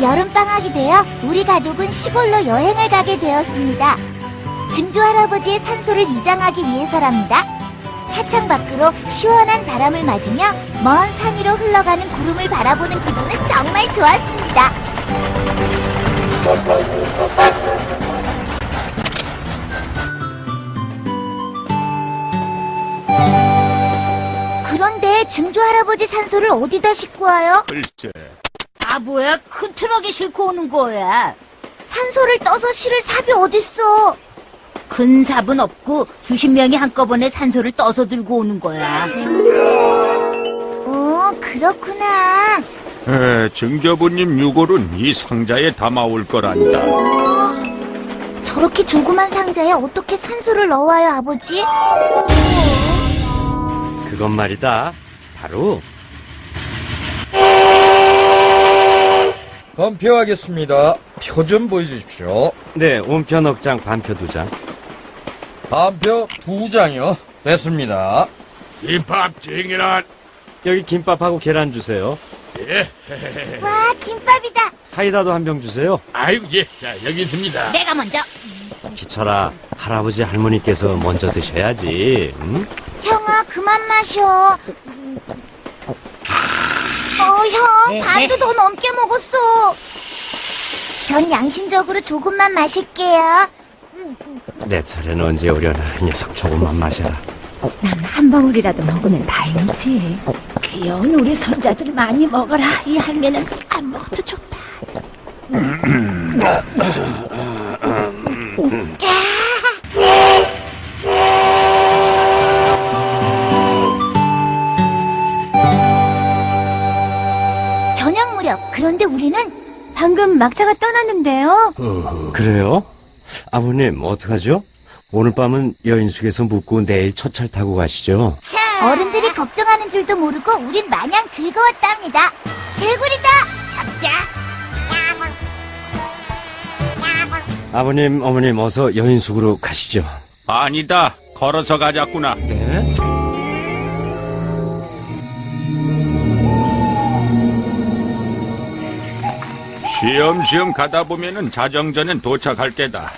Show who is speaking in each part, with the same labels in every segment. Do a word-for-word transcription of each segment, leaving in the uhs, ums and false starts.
Speaker 1: 여름방학이 되어 우리 가족은 시골로 여행을 가게 되었습니다. 증조 할아버지의 산소를 이장하기 위해서랍니다. 차창 밖으로 시원한 바람을 맞으며 먼 산 위로 흘러가는 구름을 바라보는 기분은 정말 좋았습니다. 그런데 증조 할아버지 산소를 어디다 싣고 와요?
Speaker 2: 글쎄.
Speaker 3: 바보야, 큰 트럭에 싣고 오는 거야.
Speaker 1: 산소를 떠서 실을 삽이 어딨어?
Speaker 3: 큰 삽은 없고 수십 명이 한꺼번에 산소를 떠서 들고 오는 거야.
Speaker 1: 어, 그렇구나.
Speaker 2: 에, 증조부님 유골은 이 상자에 담아올 거란다.
Speaker 1: 저렇게 조그만 상자에 어떻게 산소를 넣어와요, 아버지?
Speaker 4: 그건 말이다. 바로
Speaker 5: 검표하겠습니다. 표 좀 보여주십시오.
Speaker 4: 네, 온편 억장 반표 두 장.
Speaker 5: 반표 두 장이요. 됐습니다.
Speaker 2: 김밥 쟁이란.
Speaker 4: 여기 김밥하고 계란 주세요.
Speaker 2: 예.
Speaker 1: 와, 김밥이다.
Speaker 4: 사이다도 한 병 주세요.
Speaker 2: 아이고, 예. 자, 여기 있습니다.
Speaker 3: 내가 먼저.
Speaker 4: 기철아, 할아버지 할머니께서 먼저 드셔야지. 응?
Speaker 1: 형아, 그만 마셔. 어, 형, 반도 더 넘게 먹었어. 전 양심적으로 조금만 마실게요.
Speaker 4: 내 차례는 언제 오려나. 이 녀석 조금만 마셔라.
Speaker 6: 난 한 방울이라도 먹으면 다행이지. 귀여운 우리 손자들 많이 먹어라. 이 할매는 안 먹어도 좋다.
Speaker 1: 저녁 무렵, 그런데 우리는
Speaker 6: 방금 막차가 떠났는데요.
Speaker 4: 그래요? 아버님, 어떡하죠? 오늘 밤은 여인숙에서 묵고 내일 첫차를 타고 가시죠.
Speaker 1: 어른들이 걱정하는 줄도 모르고 우린 마냥 즐거웠답니다. 개구리다! 잡자!
Speaker 4: 아버님, 어머님, 어서 여인숙으로 가시죠.
Speaker 2: 아니다. 걸어서 가자꾸나.
Speaker 4: 네?
Speaker 2: 쉬엄쉬엄 가다 보면은 자정전엔 도착할 게다.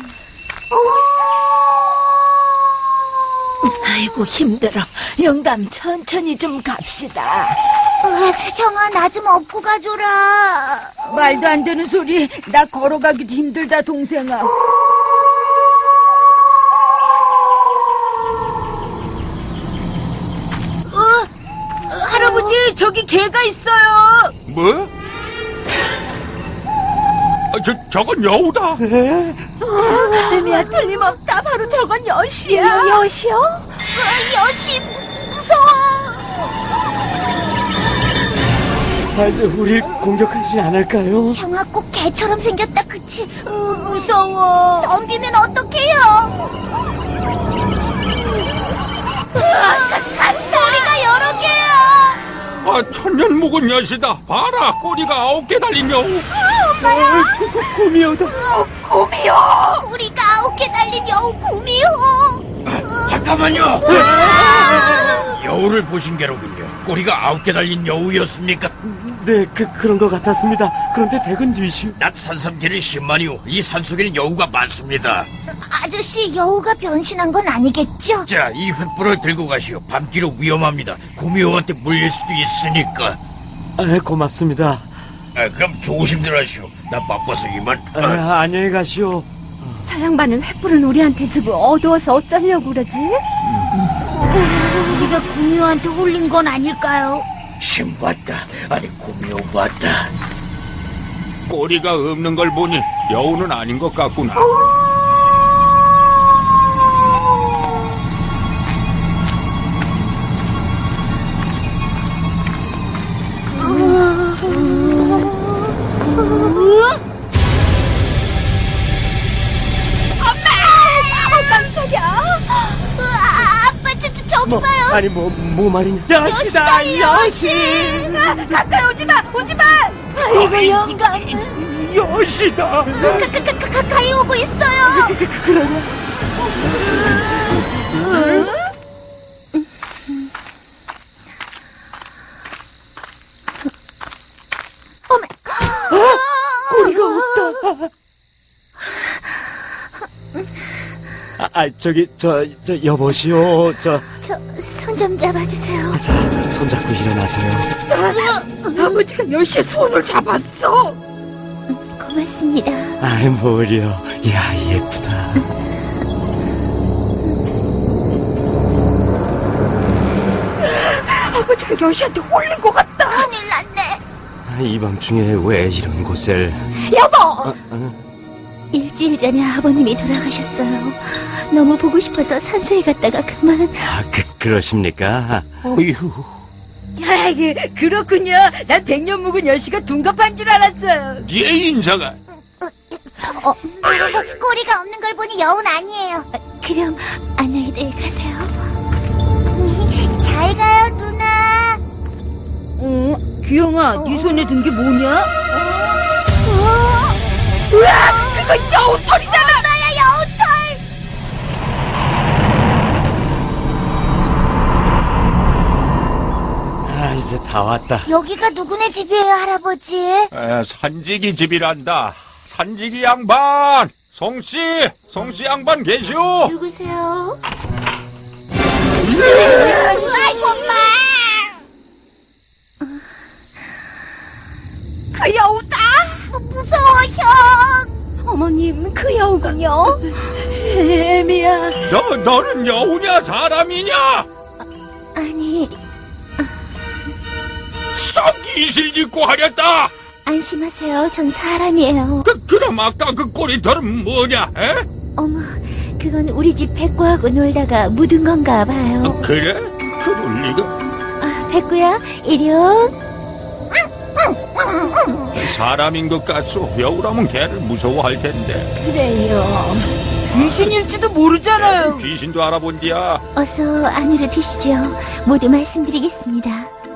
Speaker 6: 아이고 힘들어. 영감 천천히 좀 갑시다.
Speaker 1: 으, 형아, 나 좀 업고 가줘라.
Speaker 6: 말도 안 되는 소리. 나 걸어가기도 힘들다 동생아. 어, 할아버지 저기 개가 있어요.
Speaker 2: 뭐? 아, 저, 저건 여우다.
Speaker 6: 애미야 틀림없다. 바로 저건 여시야. 여시요?
Speaker 1: 으, 여시, 무- 무서워.
Speaker 4: 아, 이제 우릴 공격하지 않을까요?
Speaker 1: 형아, 꼭 개처럼 생겼다, 그치? 으,
Speaker 6: 무서워.
Speaker 1: 덤비면 어떡해요? 꼬리가 여러 개야.
Speaker 2: 아, 천년 묵은 엿이다. 봐라, 꼬리가 아홉 개 달린 여우.
Speaker 1: 엄마야.
Speaker 4: 곰이여다.
Speaker 6: 곰이요.
Speaker 1: 꼬리가 아홉 개 달린 여우 구미호.
Speaker 7: 잠깐만요. 여우를 보신 게로군요. 꼬리가 아홉 개 달린 여우였습니까?
Speaker 4: 네, 그, 그런 것 같았습니다. 그런데 댁은 뒤시오.
Speaker 7: 낮 산삼계는 십만이요. 이 산속에는 여우가 많습니다.
Speaker 1: 아저씨, 여우가 변신한 건 아니겠죠?
Speaker 7: 자, 이 횃불을 들고 가시오. 밤길은 위험합니다. 구미호한테 물릴 수도 있으니까.
Speaker 4: 아, 고맙습니다.
Speaker 7: 아, 그럼 조심들 하시오. 나 바빠서 이만. 아,
Speaker 4: 아, 안녕히 가시오.
Speaker 6: 저 양반은 횃불은 우리한테 주고 어두워서 어쩌려고 그러지?
Speaker 3: 우리가 구미호한테 홀린 건 아닐까요?
Speaker 7: 신봤다. 아니, 구미호 봤다.
Speaker 2: 꼬리가 없는 걸 보니 여우는 아닌 것 같구나.
Speaker 1: 으아, 아빠, 저, 저, 저기
Speaker 4: 뭐,
Speaker 1: 봐요.
Speaker 4: 아니, 뭐, 뭐 말이냐.
Speaker 1: 여시다, 여시.
Speaker 6: 가까이 오지마 오지마. 아이고 영감.
Speaker 4: 여시다.
Speaker 1: 가, 가, 가, 가, 가까이 오고 있어요.
Speaker 4: 그러냐?
Speaker 1: 어메.
Speaker 4: 아, 아, 저기, 저, 저, 여보시오. 저,
Speaker 6: 저 손 좀 잡아주세요.
Speaker 4: 자, 손잡고 일어나세요.
Speaker 6: 아버지가 여시의 손을 잡았어. 고맙습니다.
Speaker 4: 아이, 뭐려. 야, 예쁘다.
Speaker 6: 아버지가 여시한테 홀린 것 같다.
Speaker 1: 큰일 났네.
Speaker 4: 아, 이 밤중에 왜 이런 곳을.
Speaker 6: 여보!
Speaker 4: 어, 어?
Speaker 6: 일주일 전에 아버님이 돌아가셨어요. 너무 보고 싶어서 산소에 갔다가 그만.
Speaker 4: 아, 그, 그러십니까?
Speaker 2: 어휴.
Speaker 3: 아이, 그렇군요. 난 백년 묵은 여시가 둔갑한 줄 알았어요.
Speaker 2: 얘 인사가.
Speaker 1: 어, 꼬리가 없는 걸 보니 여운 아니에요.
Speaker 6: 그럼 안녕히들 가세요.
Speaker 1: 잘 가요, 누나.
Speaker 3: 어? 규영아, 네 손에 든 게 뭐냐?
Speaker 1: 으악! 그거 여우털이잖아! 엄마야, 여우털!
Speaker 4: 아, 이제 다 왔다.
Speaker 1: 여기가 누구네 집이에요, 할아버지?
Speaker 2: 에, 산지기 집이란다. 산지기 양반! 송씨! 송씨 양반 계시오?
Speaker 6: 누구세요?
Speaker 1: 아이고, 엄마!
Speaker 6: 그 여우다!
Speaker 1: 무, 무서워, 형!
Speaker 6: 어머님, 그 여우군요. 애미야.
Speaker 2: 너, 너는 여우냐, 사람이냐?
Speaker 6: 아니,
Speaker 2: 썩 이실 짓고 하렸다!
Speaker 6: 안심하세요. 전 사람이에요.
Speaker 2: 그, 그럼 아까 그 꼬리털은 뭐냐, 에?
Speaker 6: 어머, 그건 우리 집 백구하고 놀다가 묻은 건가 봐요.
Speaker 2: 아, 그래? 그럴 리가.
Speaker 6: 아, 백구야, 이리 온.
Speaker 2: 사람인 것 같소. 여우라면 개를 무서워할 텐데.
Speaker 3: 그래요. 귀신일지도 모르잖아요.
Speaker 2: 귀신도 알아본디야.
Speaker 6: 어서 안으로 드시죠. 모두 말씀드리겠습니다.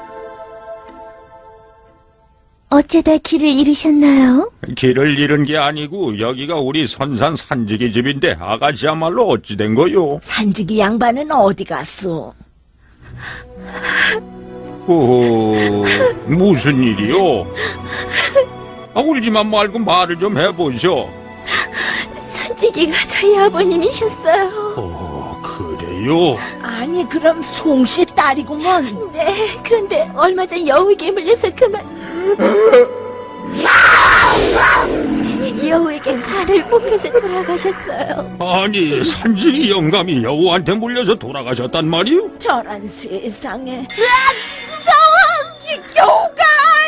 Speaker 6: 어쩌다 길을 잃으셨나요?
Speaker 2: 길을 잃은 게 아니고 여기가 우리 선산 산지기 집인데 아가씨야말로 어찌 된 거요?
Speaker 6: 산지기 양반은 어디 갔소?
Speaker 2: 오, 무슨 일이요? 아, 울지만 말고 말을 좀 해보쇼.
Speaker 6: 산지기가 저희 아버님이셨어요.
Speaker 2: 오, 그래요?
Speaker 6: 아니, 그럼 송씨 딸이구먼. 네, 그런데 얼마 전 여우에게 물려서 그만. 여우에게 칼을 뽑혀서 돌아가셨어요.
Speaker 2: 아니, 산지기 영감이 여우한테 물려서 돌아가셨단 말이요?
Speaker 6: 저런 세상에.
Speaker 1: 여우가!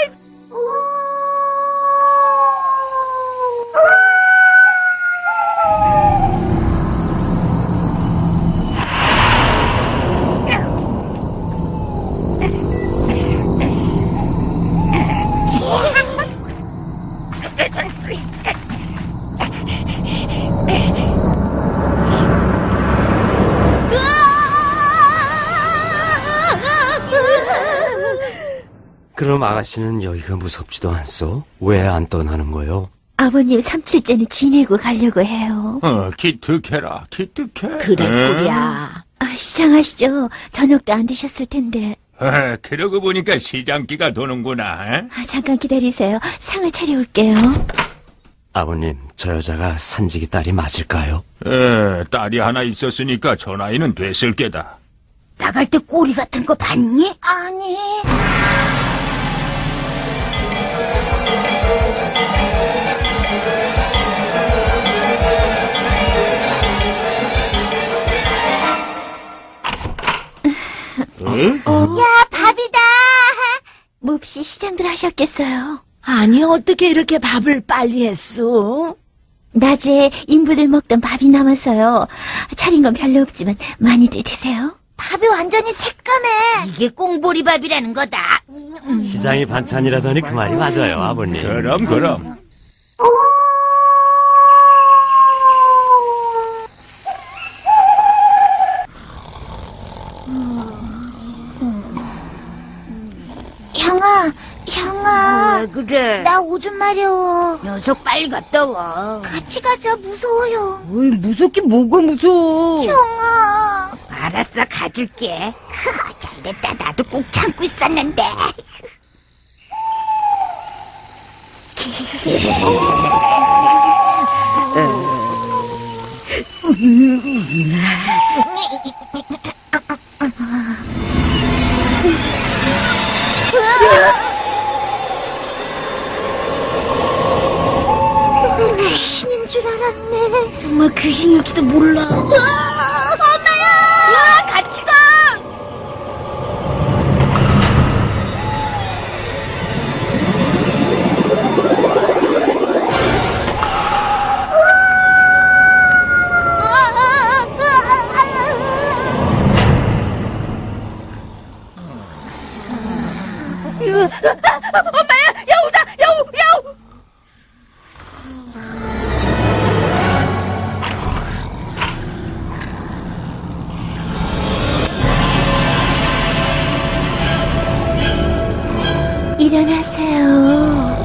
Speaker 4: 그럼 아가씨는 여기가 무섭지도 않소? 왜 안 떠나는 거요?
Speaker 6: 아버님 삼칠째는 지내고 가려고 해요.
Speaker 2: 어, 기특해라, 기특해.
Speaker 6: 그랬구야. 아, 시장하시죠. 저녁도 안 드셨을 텐데.
Speaker 2: 에, 그러고 보니까 시장기가 도는구나. 에?
Speaker 6: 아, 잠깐 기다리세요. 상을 차려올게요.
Speaker 4: 아버님, 저 여자가 산지기 딸이 맞을까요?
Speaker 2: 에, 딸이 하나 있었으니까 저 나이는 됐을 게다.
Speaker 3: 나갈 때 꼬리 같은 거 봤니?
Speaker 1: 아니. 야, 밥이다.
Speaker 6: 몹시 시장들 하셨겠어요.
Speaker 3: 아니, 어떻게 이렇게 밥을 빨리 했어?
Speaker 6: 낮에 인부들 먹던 밥이 남아서요. 차린 건 별로 없지만 많이들 드세요.
Speaker 1: 밥이 완전히 새까매.
Speaker 3: 이게 꽁보리밥이라는 거다.
Speaker 4: 시장이 반찬이라더니 그 말이 맞아요, 아버님.
Speaker 2: 그럼, 그럼.
Speaker 1: 형아, 형아.
Speaker 3: 왜 그래?
Speaker 1: 나 오줌 마려워.
Speaker 3: 녀석 빨리 갔다 와.
Speaker 1: 같이 가자, 무서워요.
Speaker 3: 어이, 무섭긴 뭐가 무서워.
Speaker 1: 형아.
Speaker 3: 알았어, 가줄게. 잘됐다, 나도 꼭 참고 있었는데.
Speaker 1: 귀신인 줄 알았네.
Speaker 6: 정말 귀신일지도 몰라.
Speaker 1: 엄마야!
Speaker 3: 와, 같이 가! 엄마야! 여우다! 여우! 여우!
Speaker 6: 일어나세요.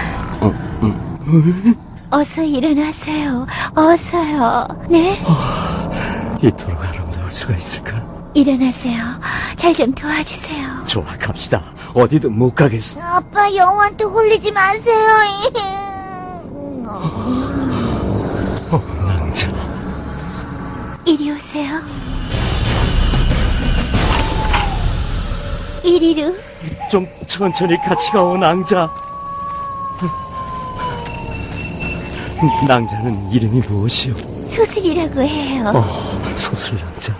Speaker 6: 어서 일어나세요. 어서요. 네?
Speaker 4: 이토록 아름다울 수가 있을까?
Speaker 6: 일어나세요. 잘 좀 도와주세요.
Speaker 4: 좋아, 갑시다. 어디든 못 가겠어.
Speaker 1: 아빠 영우한테 홀리지 마세요.
Speaker 4: 어, 낭자.
Speaker 6: 이리 오세요. 이리로.
Speaker 4: 좀 천천히 같이 가오, 낭자. 낭자는 이름이 무엇이오?
Speaker 6: 소슬이라고 해요.
Speaker 4: 어, 소슬낭자.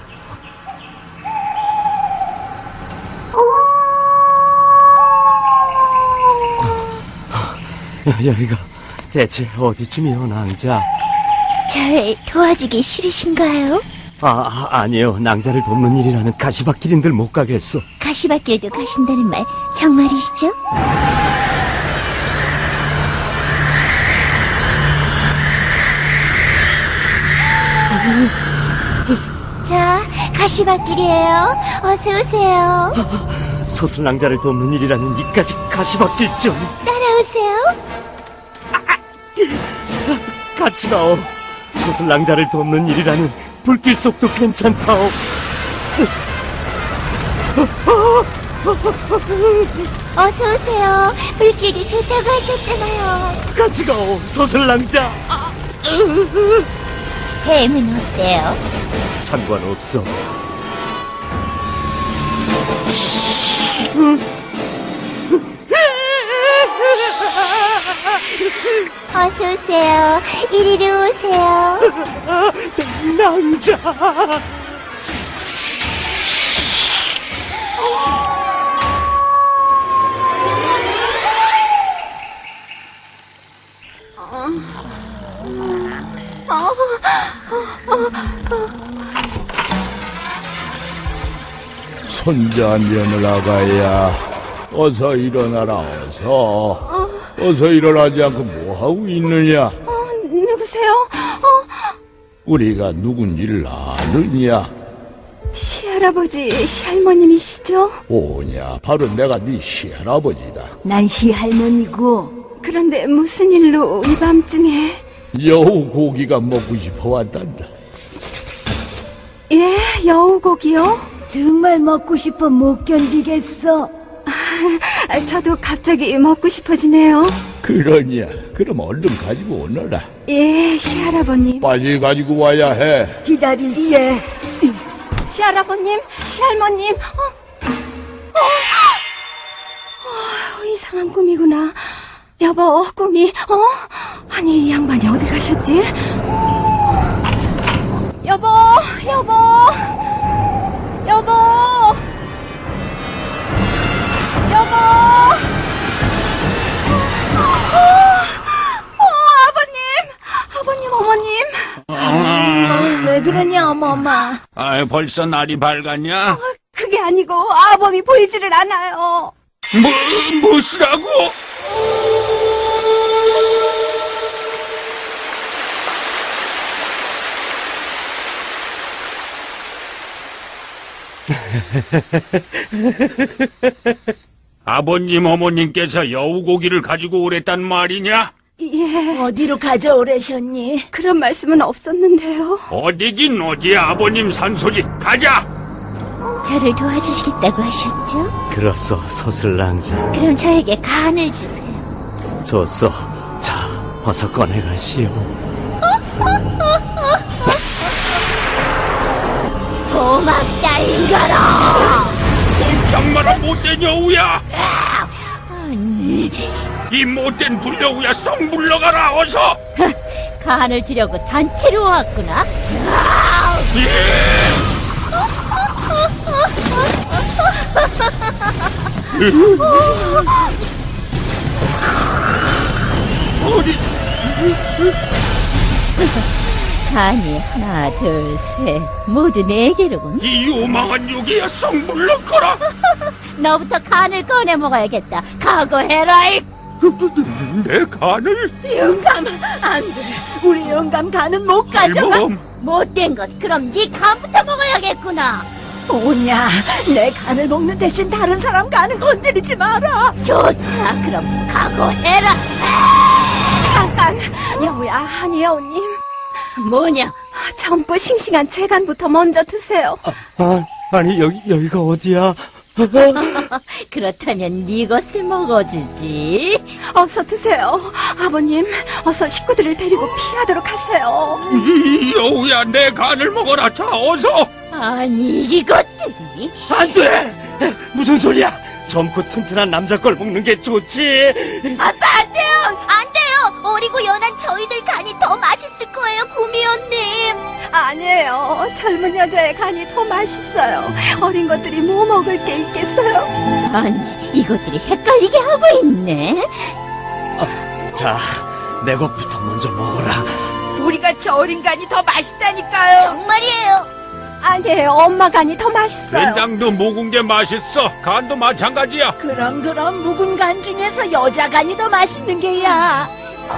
Speaker 4: 여- 여기가 대체 어디쯤이오, 낭자?
Speaker 6: 절 도와주기 싫으신가요?
Speaker 4: 아, 아, 아니요. 낭자를 돕는 일이라는 가시밭길인들 못 가겠어.
Speaker 6: 가시밭길도 가신다는 말 정말이시죠? 자, 가시밭길이에요. 어서 오세요.
Speaker 4: 소슬낭자를 돕는 일이라는 이까지 가시밭길 좀
Speaker 6: 따라오세요.
Speaker 4: 같이 가오. 소슬낭자를 돕는 일이라는 불길 속도 괜찮다오.
Speaker 6: 어서 오세요. 불길도 좋다고 하셨잖아요.
Speaker 4: 같이 가오, 소슬낭자.
Speaker 6: 뱀은 어때요?
Speaker 4: 상관없어.
Speaker 6: 어서 오세요. 이리로 오세요.
Speaker 4: 낭자.
Speaker 8: 손자 며느라가야 어서 일어나라 어서 어서 일어나지 않고 뭐하고 있느냐
Speaker 6: 누구세요?
Speaker 8: 우리가 누군지를 아느냐
Speaker 6: 시할아버지, 시할머님이시죠?
Speaker 8: 오냐 바로 내가 네 시할아버지다
Speaker 6: 난 시할머니고. 그런데 무슨 일로 이 밤중에?
Speaker 8: 여우 고기가 먹고 싶어 왔단다
Speaker 6: 예, 여우고기요? 정말 먹고 싶어 못 견디겠어. 아, 저도 갑자기 먹고 싶어지네요.
Speaker 8: 그러냐 그럼 얼른 가지고 오너라
Speaker 6: 예, 시할아버님.
Speaker 8: 빨리 가지고 와야 해
Speaker 6: 기다릴리에. 시할아버님, 시할머님. 어? 어? 어, 이상한 꿈이구나. 여보, 꿈이. 어? 아니, 이 양반이 어디 가셨지? 여보, 여보, 여보, 여보. 어, 아버님, 아버님, 어머님. 왜 그러냐, 어머마.
Speaker 2: 아, 벌써 날이 밝았냐?
Speaker 6: 그게 아니고 아범이 보이지를 않아요.
Speaker 2: 뭐, 무엇이라고? 아버님, 어머님께서 여우고기를 가지고 오랬단 말이냐?
Speaker 6: 예,
Speaker 3: 어디로 가져오래셨니?
Speaker 6: 그런 말씀은 없었는데요.
Speaker 2: 어디긴 어디야, 아버님 산소지. 가자!
Speaker 6: 저를 도와주시겠다고 하셨죠?
Speaker 4: 그렇소, 소슬낭자.
Speaker 6: 그럼 저에게 간을 주세요.
Speaker 4: 줬소. 자, 어서 꺼내가시오.
Speaker 6: 고맙다, 인간아!
Speaker 2: 꼼짝 마라 못된 여우야.
Speaker 6: 아니,
Speaker 2: 이 못된 불여우야 썩 물러가라 어서.
Speaker 6: 간을 주려고 단체로 왔구나.
Speaker 2: 어디
Speaker 6: 간이 하나, 둘, 셋, 모두 네 개로군.
Speaker 2: 이 요망한 요기야 썩 물러가라.
Speaker 6: 너부터 간을 꺼내 먹어야겠다. 각오해라. 이.
Speaker 2: 내 간을
Speaker 3: 영감, 안 돼. 우리 영감 간은 못 가져가.
Speaker 2: 할멈.
Speaker 6: 못된 것. 그럼 네 간부터 먹어야겠구나.
Speaker 3: 뭐냐, 내 간을 먹는 대신 다른 사람 간을 건드리지 마라.
Speaker 6: 좋다. 그럼 각오해라.
Speaker 9: 잠깐, 여우야, 아니 여우님,
Speaker 6: 뭐냐?
Speaker 9: 젊고 싱싱한 제 간부터 먼저 드세요.
Speaker 4: 아, 아니, 여기, 여기가 어디야?
Speaker 6: 그렇다면 네 것을 먹어주지.
Speaker 9: 어서 드세요. 아버님, 어서 식구들을 데리고 피하도록 하세요.
Speaker 2: 이 여우야 내 간을 먹어라. 자 어서.
Speaker 6: 아니 이것들이.
Speaker 4: 안 돼! 무슨 소리야? 젊고 튼튼한 남자 걸 먹는 게 좋지.
Speaker 1: 아빠, 안 돼요! 안 돼요! 어리고 연한 저희들 간이 더 맛있을 거예요, 구미호님!
Speaker 9: 아니에요. 젊은 여자의 간이 더 맛있어요. 어린 것들이 뭐 먹을 게 있겠어요?
Speaker 6: 아니 이것들이 헷갈리게 하고 있네.
Speaker 4: 자, 내 것부터 먼저 먹어라.
Speaker 3: 우리가 저 어린 간이 더 맛있다니까요.
Speaker 1: 정말이에요!
Speaker 9: 아니에요. 엄마 간이 더 맛있어요.
Speaker 2: 된장도 묵은 게 맛있어. 간도 마찬가지야.
Speaker 3: 그럼 그럼 묵은 간 중에서 여자 간이 더 맛있는 게야.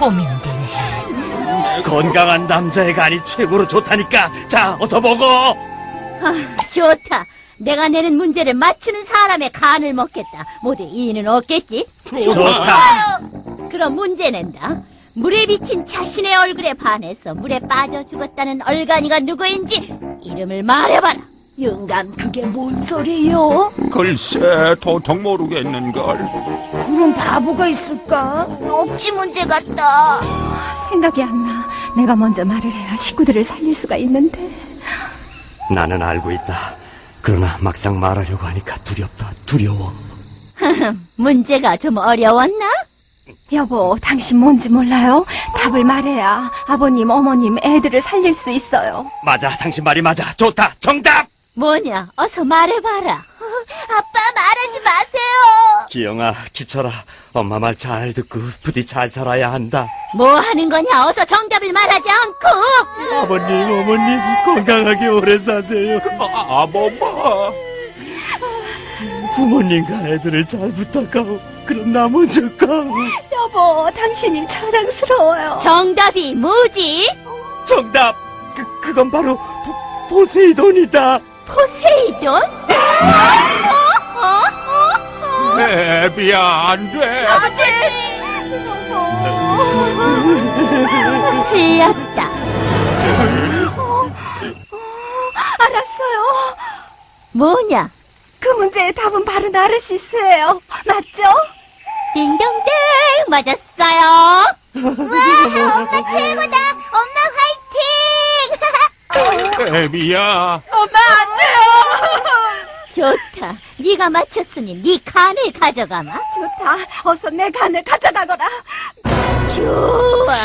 Speaker 3: 고민되네.
Speaker 4: 건강한 남자의 간이 최고로 좋다니까. 자, 어서 먹어.
Speaker 6: 아, 좋다. 내가 내는 문제를 맞추는 사람의 간을 먹겠다. 모두 이의는 없겠지?
Speaker 4: 좋다.
Speaker 6: 그럼 문제 낸다. 물에 비친 자신의 얼굴에 반해서 물에 빠져 죽었다는 얼간이가 누구인지 이름을 말해봐라.
Speaker 3: 영감, 그게 뭔 소리요?
Speaker 2: 글쎄 도통 모르겠는걸.
Speaker 3: 그런 바보가 있을까?
Speaker 1: 억지 문제 같다.
Speaker 9: 생각이 안 나. 내가 먼저 말을 해야 식구들을 살릴 수가 있는데.
Speaker 4: 나는 알고 있다. 그러나 막상 말하려고 하니까 두렵다. 두려워.
Speaker 6: 문제가 좀 어려웠나?
Speaker 9: 여보, 당신 뭔지 몰라요? 답을 말해야 아버님, 어머님, 애들을 살릴 수 있어요.
Speaker 4: 맞아, 당신 말이 맞아. 좋다. 정답!
Speaker 6: 뭐냐? 어서 말해봐라.
Speaker 1: 아빠, 말하지 마세요!
Speaker 4: 기영아, 기철아, 엄마 말 잘 듣고 부디 잘 살아야 한다.
Speaker 6: 뭐 하는 거냐? 어서 정답을 말하지 않고.
Speaker 4: 아버님, 어머님, 건강하게 오래 사세요.
Speaker 2: 아, 아범마.
Speaker 4: 부모님과 애들을 잘 부탁하고, 그럼 나 먼저 가.
Speaker 9: 여보, 당신이 자랑스러워요.
Speaker 6: 정답이 뭐지?
Speaker 4: 정답! 그, 그건 바로 보, 포세이돈이다.
Speaker 6: 포세이돈? 어? 어? 어? 어?
Speaker 2: 애비야 안 돼.
Speaker 6: 틀렸다.
Speaker 9: 알았어요.
Speaker 6: 뭐냐?
Speaker 9: 그 문제의 답은 바로 나르시스예요. 맞죠?
Speaker 6: 딩동댕 맞았어요.
Speaker 1: 와, 엄마 최고다! 엄마 화이팅!
Speaker 2: 애비야.
Speaker 3: 엄마, 안 돼요!
Speaker 6: 좋다. 네가 맞췄으니 네 간을 가져가마.
Speaker 9: 좋다. 어서 내 간을 가져가거라.
Speaker 6: 좋아.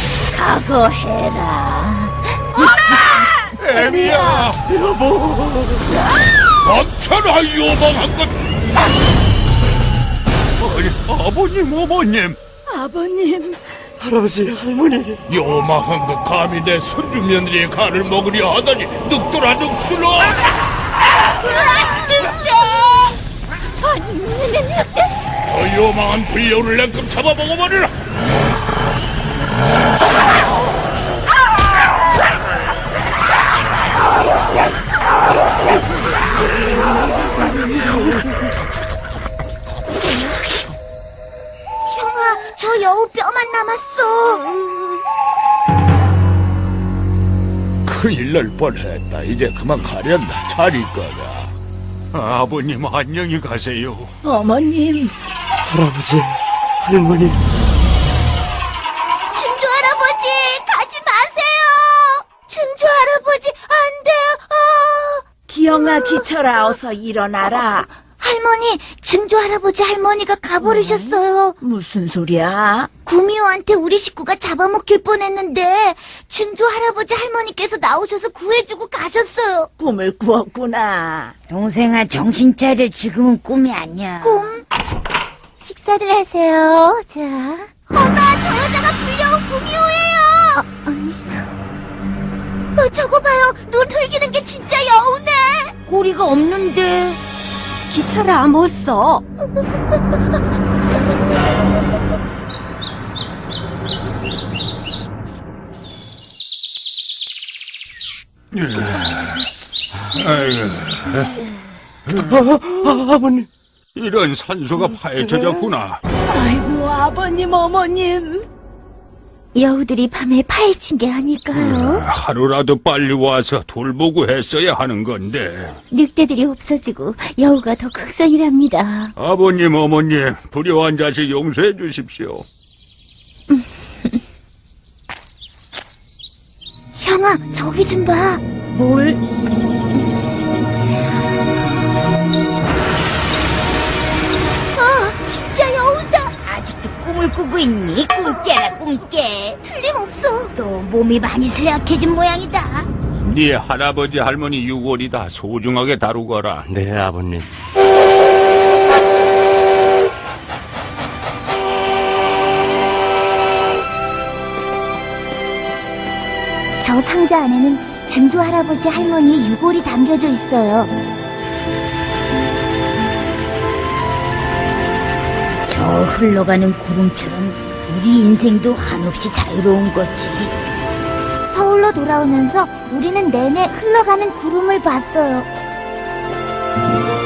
Speaker 6: 각오해라.
Speaker 2: 애비야.
Speaker 4: 여보.
Speaker 2: 멈춰라 요망한 것. 아니, 아버님 어머님.
Speaker 3: 아버님.
Speaker 4: 할아버지, 할머니.
Speaker 7: 요망한 것 감히 내 손주 며느리의 간을 먹으려 하다니 늑돌아 늑술로.
Speaker 6: 아니, 늑대.
Speaker 7: 저 요망한 불려를 냉큼 잡아먹어버리라.
Speaker 1: 형아, 저 여우 뼈만 남았어.
Speaker 8: 큰일 날 뻔했다. 이제 그만 가련다. 잘 있거라.
Speaker 2: 아버님 안녕히 가세요.
Speaker 3: 어머님.
Speaker 4: 할아버지, 할머니.
Speaker 1: 증조 할아버지, 가지 마세요! 증조 할아버지, 안 돼요! 어.
Speaker 3: 기영아, 기철아, 어서 일어나라.
Speaker 1: 할머니, 증조 할아버지 할머니가 가버리셨어요.
Speaker 3: 무슨 소리야?
Speaker 1: 구미호한테 우리 식구가 잡아먹힐 뻔했는데 증조 할아버지 할머니께서 나오셔서 구해주고 가셨어요.
Speaker 3: 꿈을 꾸었구나. 동생아, 정신 차려. 지금은 꿈이 아니야.
Speaker 1: 꿈? 식사들 하세요. 자. 엄마, 저 여자가 불려온 구미호예요. 어, 아니. 어, 저거 봐요. 눈 흘기는 게 진짜 여우네.
Speaker 3: 꼬리가 없는데.
Speaker 9: 기철아, 못 써.
Speaker 4: 아, 아버님.
Speaker 2: 이런 산소가 파헤쳐졌구나.
Speaker 3: 아이고, 아버님, 어머님.
Speaker 6: 여우들이 밤에 파헤친 게 아닐까요?
Speaker 2: 하루라도 빨리 와서 돌보고 했어야 하는 건데.
Speaker 6: 늑대들이 없어지고 여우가 더 극성이랍니다.
Speaker 2: 아버님, 어머님, 불효한 자식 용서해 주십시오.
Speaker 1: 형아, 저기 좀 봐.
Speaker 3: 뭘?
Speaker 1: 아, 진짜 여우다.
Speaker 3: 아직도 꿈을 꾸고 있니? 꿈 깨라, 꿈 깨.
Speaker 1: 틀림없어.
Speaker 3: 너 몸이 많이 쇠약해진 모양이다.
Speaker 2: 네 할아버지 할머니 유골이다 소중하게 다루거라.
Speaker 4: 네, 아버님.
Speaker 1: 저 상자 안에는 증조 할아버지 할머니의 유골이 담겨져 있어요.
Speaker 3: 저 흘러가는 구름처럼 우리 인생도 한없이 자유로운 거지.
Speaker 1: 서울로 돌아오면서 우리는 내내 흘러가는 구름을 봤어요.